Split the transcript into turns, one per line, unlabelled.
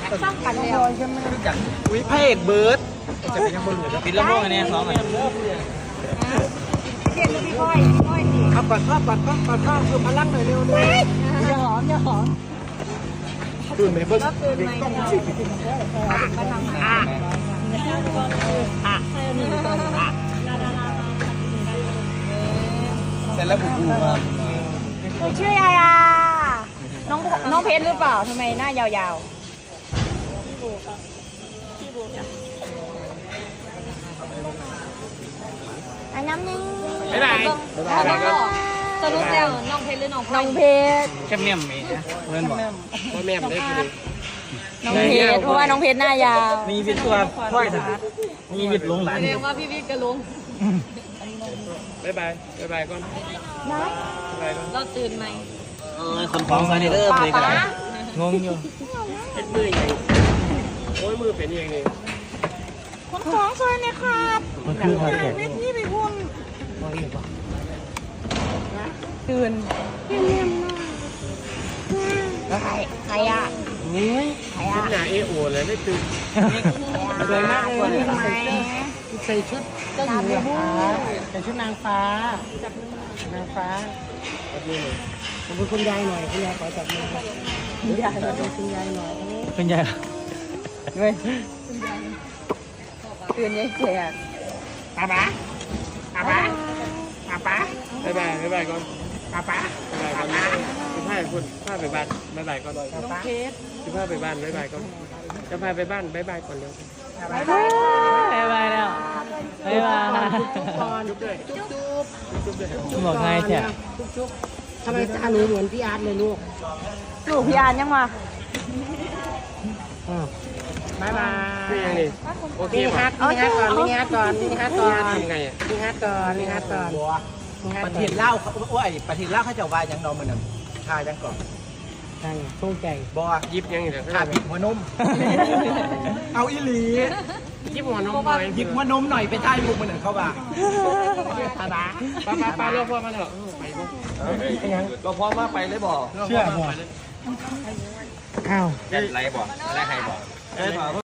สร้างกันแล้วใช่ไหมจาก
วิพเอกเบิร์ด
จะเป็นยังบนหลุด
ปิดละม่วงอันนี้สองอัน
เรียนพี่ก้อยดี
เอาปัดข้าวคือพลังหน่อยเร็วเลยอย่าหอมตื่นไหมเบิ้ล
ก็คืนไม่ได้ก็ทำ
เสร็จแล้วบุกบูมา
ชื่ออะไรอ่ะน้องเพชรหรือเปล่าทำไมหน้ายาวๆอันน้ำนึง
ไม่ได้
สรุปแล้วน้องเพชรหรือน้องเพชร
เข้มเนี่ยมมีนะเพื่อนบอก
พ่อแม่ได้คือ
น้องเพชรเพราะว่าน้องเพชรหน้ายาว
มีวิทย์ตัวพ่อยถัดมีวิทย์ลงหลาน
แสดงว่าพี่วิทย์ก็ลง
บ๊ายบายก่อนบ๊ายบายก่อน
เราตื่นไหม
คนท้องซาเนเดอร์เลยกันงงอยู่
เป็นมือใหญ่โอ้ยมือเป็นยังไง
คนท้องซอยเนี่ยครับ
มันคือทางแขก
พี่ไปพุ่นตื่นใครอ่ะ
นี่
ใครอ่ะ
หน้าเอโอเลยไม่ตื่น
สวยมากเลย
ใส่ชุดเจ้าหญิงเหรอคะใส่ชุดนางฟ้านางฟ้าจับมือหน่อยขอบคุณคุณยายหน่อยคุณยายขอจับมือคุณยายหน่อยคุณยายหน่อย
เป็นไงเว้ย
ตื่นยังแขก
ป๊าป๊าบ๊ายบายก่อนป๊าป๊าบ๊ายบายก่อนคุณพาคุณพาไปบ้านบ๊ายบายก่อน
น้องเพชร
คุณพาไปบ้านบ๊ายบายก่อนจะพาไปบ้านบ๊ายบายก่อนเร็ว
บ๊ายบาย
บายบายแล้วบายบาย
จุ๊บด้วยจุ๊บด้วย
บอกง่ายแท้
จุ๊บทำไมตาหนูเหมือนพี่อาร์ตเลยลูก
ลูกพี่อานยังมา
บ๊ายบายนี่ยังนี่โอเคฮัทมินิฮัทก่อนทำไงอ่ะมินิฮัทก่อน
ประเทศเล่าเขาโอ้ยประเทศเล่าเขาจะว่ายังนอนมันน่ะชาจังก่อน
ใช่โชคใจ
บ่
ยิบยังเดี๋ยว
ขาบิดหัวนมเอาอีหลี
ยิบหัวนมหน่อย
บิดหัวนมหน่อยไปใต้บุกมันหนึ่งเข้าบ้า
ป้าเรียกพ่อมาเถอะไปลูก
เราพร้อมว่าไปเลยบ่เชื่อบ่
อ้าว
ไรบ่อะไรใครบ่